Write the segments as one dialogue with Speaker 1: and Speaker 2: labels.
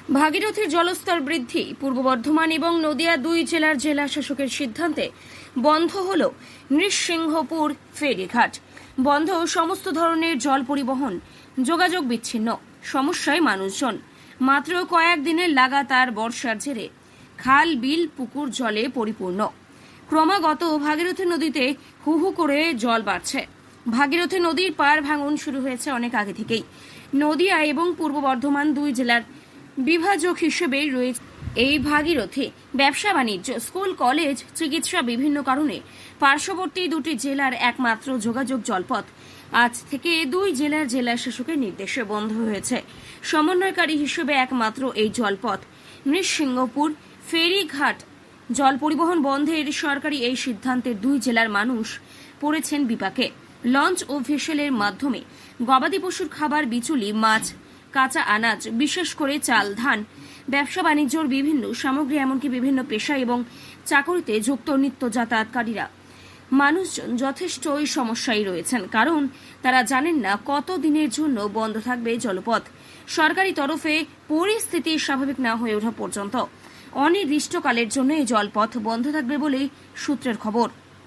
Speaker 1: ভাগীরথীর জলস্তর বৃদ্ধি। পূর্ব বর্ধমান এবং নদিয়া দুই জেলার জেলা শাসকের সিদ্ধান্তে বন্ধ হল নৃসিংহপুর ফেরিঘাট। বন্ধ সমস্ত ধরনের জল পরিবহন, যোগাযোগ বিচ্ছিন্ন। সমস্যায় মানুষজন। মাত্র কয়েকদিনের লাগাতার বর্ষার জেরে খাল, বিল, পুকুর জলে পরিপূর্ণ। ক্রমাগত ভাগীরথী নদীতে হু হু করে জল বাড়ছে। ভাগীরথী নদীর পার ভাঙন শুরু হয়েছে অনেক আগে থেকেই। নদিয়া এবং পূর্ব বর্ধমান দুই জেলার বিভাজক হিসেবে রয়েছে এই ভাগীরথী। ব্যবসা বাণিজ্য, স্কুল, কলেজ, চিকিৎসা, বিভিন্ন কারণে পার্শ্ববর্তী দুটি জেলার একমাত্র যোগাযোগ জলপথ আজ থেকে দুই জেলার জেলা শাসকের নির্দেশে বন্ধ হয়েছে। সমন্বয়কারী হিসেবে একমাত্র এই জলপথ নৃসিংহপুর ফেরিঘাট। জল পরিবহন বন্ধের সরকারি এই সিদ্ধান্তের দুই জেলার মানুষ পড়েছেন বিপাকে। লঞ্চ ও ভেসেলের মাধ্যমে গবাদি পশুর খাবার, বিচুলি, মাছ, কাঁচা আনাজ, বিশেষ করে চাল, ধান, ব্যবসা বাণিজ্যর বিভিন্ন সামগ্রী, এমনকি বিভিন্ন পেশা এবং চাকরিতে যুক্ত নিত্য যাতায়াতকারীরা মানুষজন যথেষ্টই সমস্যায় রয়েছেন। কারণ তারা জানেন না কত দিনের জন্য বন্ধ থাকবে জলপথ। সরকারি তরফে পরিস্থিতি স্বাভাবিক না হয়ে ওঠা পর্যন্ত অনির্দিষ্টকালের জন্য এই জলপথ বন্ধ থাকবে বলেই সূত্রের খবর।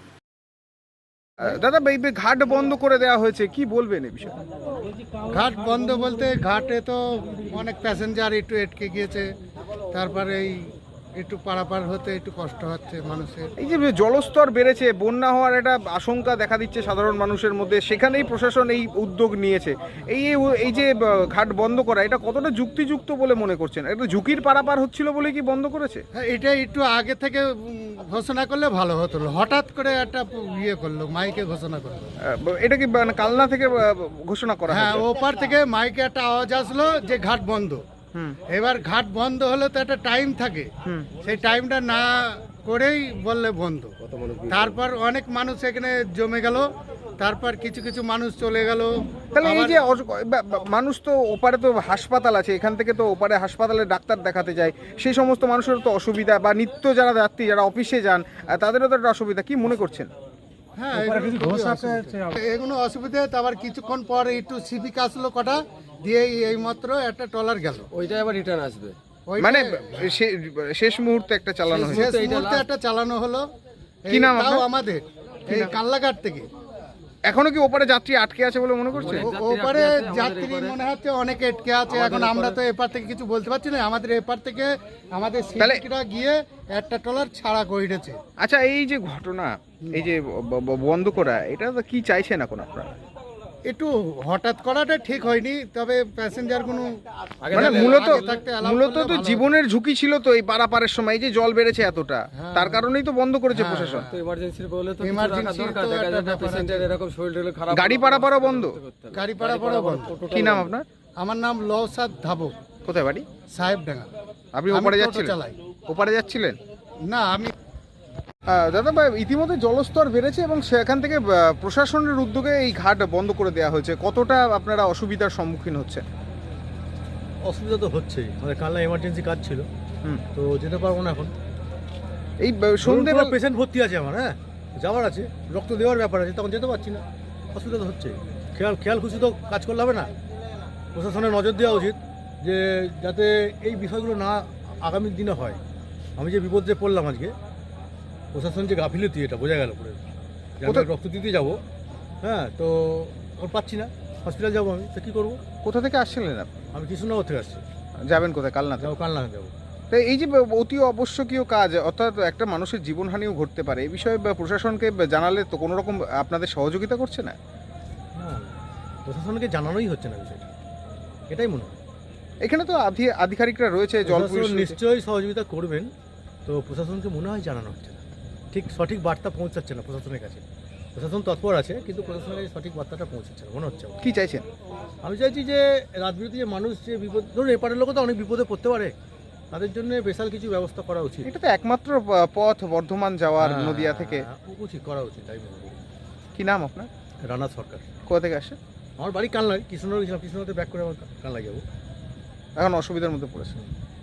Speaker 2: দাদা, এই ঘাট বন্ধ করে দেওয়া হয়েছে, কি বলবেন এই বিষয়ে?
Speaker 3: ঘাট বন্ধ বলতে ঘাটে তো অনেক প্যাসেঞ্জার একটু আটকে গিয়েছে, তারপরে এই একটু পারাপার হতে একটু কষ্ট হচ্ছে মানুষের।
Speaker 2: এই যে জলস্তর বেড়েছে, বন্যা হওয়ার একটা আশঙ্কা দেখা দিচ্ছে সাধারণ মানুষের মধ্যে, সেখানেই প্রশাসন এই উদ্যোগ নিয়েছে। এই যে ঘাট বন্ধ করা, এটা কতটা যুক্তিযুক্ত বলে মনে করছেন? একটা ঝুঁকির পারাপার হচ্ছিল বলে কি বন্ধ করেছে?
Speaker 3: হ্যাঁ, এটা একটু আগে থেকে ঘোষণা করলে ভালো হতো। হঠাৎ করে একটা ইয়ে করলো, মাইকে ঘোষণা করলো।
Speaker 2: এটা কি কালনা থেকে ঘোষণা করা?
Speaker 3: হ্যাঁ, ওপার থেকে মাইকে একটা আওয়াজ আসলো যে ঘাট বন্ধ। এবার ঘাট বন্ধ হলে তো একটা টাইম থাকে, সেই টাইমটা না করেই বললে বন্ধ। তারপর অনেক মানুষ এখানে জমে গেল, তারপর কিছু কিছু মানুষ চলে গেল।
Speaker 2: তাহলে এই যে মানুষ তো ওপারে তো হাসপাতাল আছে, এখান থেকে তো ওপারে হাসপাতালে ডাক্তার দেখাতে যায়, সেই সমস্ত মানুষের তো অসুবিধা, বা নিত্য যারা যাত্রী যারা অফিসে যান তাদেরও তো একটা অসুবিধা, কি মনে করছেন?
Speaker 3: হ্যাঁ, এগুলো অসুবিধা। তারপর কিছুক্ষণ পর একটু সিভিক আসলো কটা দিয়ে, এই মাত্র একটা ট্রলার গেল,
Speaker 4: ওইটা আবার রিটার্ন আসবে।
Speaker 2: মানে শেষ মুহূর্তে একটা চালানো হয়েছে,
Speaker 3: শেষ মুহূর্তে একটা চালানো হলো।
Speaker 2: কি নাম
Speaker 3: তাও আমাদের এই কাল্লাঘাট থেকে।
Speaker 2: এখনো কি ওপারে যাত্রী আটকে আছে বলে মনে করছে?
Speaker 3: ওপারে যাত্রী মনে হচ্ছে অনেকে আটকে আছে। এখন আমরা তো এপার থেকে কিছু বলতে পারছি না। আমাদের এপার থেকে আমাদের সিভিকরা গিয়ে একটা ট্রলার ছাড়া করেছে।
Speaker 2: আচ্ছা, এই যে ঘটনা, এই যে বন্ধ করা, এটা তো কি চাইছেন এখন আপনারা?
Speaker 3: একটু হঠাৎ করাটা ঠিক হয়নি, তবে প্যাসেঞ্জার কোনো
Speaker 2: মানে মূলত তো জীবনের ঝুঁকি ছিল তো এই পারাপারের সময়, এই যে জল বেড়েছে এতটা, তার কারণেই তো বন্ধ করেছে প্রশাসন।
Speaker 4: তো ইমার্জেন্সি বলে তো
Speaker 3: Emergency
Speaker 4: দরকার,
Speaker 3: তো
Speaker 4: দেখা যায়
Speaker 3: একটা
Speaker 4: পেশেন্টের এরকম শরীর খারাপ,
Speaker 2: গাড়ি পারাপারও বন্ধ।
Speaker 3: গাড়ি পারাপারও বন্ধ।
Speaker 2: কি নাম আপনার?
Speaker 3: আমার নাম লওসাদ ধাবক।
Speaker 2: কোথায় বাড়ি?
Speaker 3: সাহেবডাঙ্গা।
Speaker 2: আপনি
Speaker 3: আমি
Speaker 2: ওপারে
Speaker 3: টোটো
Speaker 2: যাচ্ছিলেন?
Speaker 3: চালাই।
Speaker 2: ওপারে যাচ্ছিলেন?
Speaker 3: না, আমি
Speaker 2: দাদা ভাই, ইতিমধ্যে জলস্তর বেড়েছে এবং সেখান থেকে প্রশাসনের উদ্যোগে এই ঘাট বন্ধ করে দেওয়া হয়েছে। কতটা আপনারা অসুবিধার সম্মুখীন হচ্ছে?
Speaker 5: অসুবিধা তো হচ্ছেই, আমাদের কালনা এমার্জেন্সি কাজ ছিল, তো যেতে পারবো না এখন।
Speaker 2: এই সন্ধ্যেবেলা
Speaker 5: পেশেন্ট ভর্তি আছে আমার, হ্যাঁ যাওয়ার আছে, রক্ত দেওয়ার ব্যাপার আছে, তখন যেতে পারছি না। অসুবিধা তো হচ্ছে। খেয়াল খুশি তো কাজ করলে হবে না। প্রশাসনের নজর দেওয়া উচিত যে যাতে এই বিষয়গুলো না আগামী দিনে হয়। আমি যে বিপদে পড়লাম আজকে, প্রশাসন যে গাফিলতি, এটা বোঝা গেল পুরো। রক্ত দিতে যাবো, হ্যাঁ, তো ওর পাচ্ছি না, হসপিটাল যাবো আমি, তো কী করবো?
Speaker 2: কোথা থেকে আসছিলেন আপনি?
Speaker 5: আমি কৃষ্ণনগর থেকে আসছি।
Speaker 2: যাবেন কোথায়? কালনা থেকে?
Speaker 5: কালনা যাবো।
Speaker 2: তো এই যে অতি আবশ্যকীয় কাজ, অর্থাৎ একটা মানুষের জীবনহানিও ঘটতে পারে, এই বিষয়ে প্রশাসনকে জানালে তো কোনো রকম আপনাদের সহযোগিতা করছে না?
Speaker 5: না, প্রশাসনকে জানানোই হচ্ছে না বিষয়টা, এটাই মনে হয়।
Speaker 2: এখানে তো আধিকারিকরা রয়েছে, জল
Speaker 5: প্রশাসন নিশ্চয়ই সহযোগিতা করবেন, তো প্রশাসনকে মনে হয় জানানো হচ্ছে না, সঠিক বার্তা পৌঁছাচ্ছে না প্রশাসনের কাছে। প্রশাসন তৎপর আছে, কিন্তু প্রশাসনের কাছে সঠিক বার্তাটা পৌঁছাচ্ছে না মনে হচ্ছে।
Speaker 2: কি চাইছেন?
Speaker 5: আমি চাইছি যে রাতবিরতি যে মানুষ, যে বিপদ, ধরুন এপারের লোক তো অনেক বিপদে পড়তে পারে, তাদের জন্য স্পেশাল কিছু ব্যবস্থা করা উচিত।
Speaker 2: এটা তো একমাত্র পথ বর্ধমান যাওয়ার, নদিয়া থেকে।
Speaker 5: উচিত করা উচিত, তাই মনে করি।
Speaker 2: কি নাম আপনার?
Speaker 5: রানা সরকার।
Speaker 2: কোথা থেকে আসে?
Speaker 5: আমার বাড়ি কালনায়, কৃষ্ণনগর গেছিলাম, কৃষ্ণনগর ব্যাক করে আমার কালনায় যাবো।
Speaker 2: এখন অসুবিধার মধ্যে পড়েছে।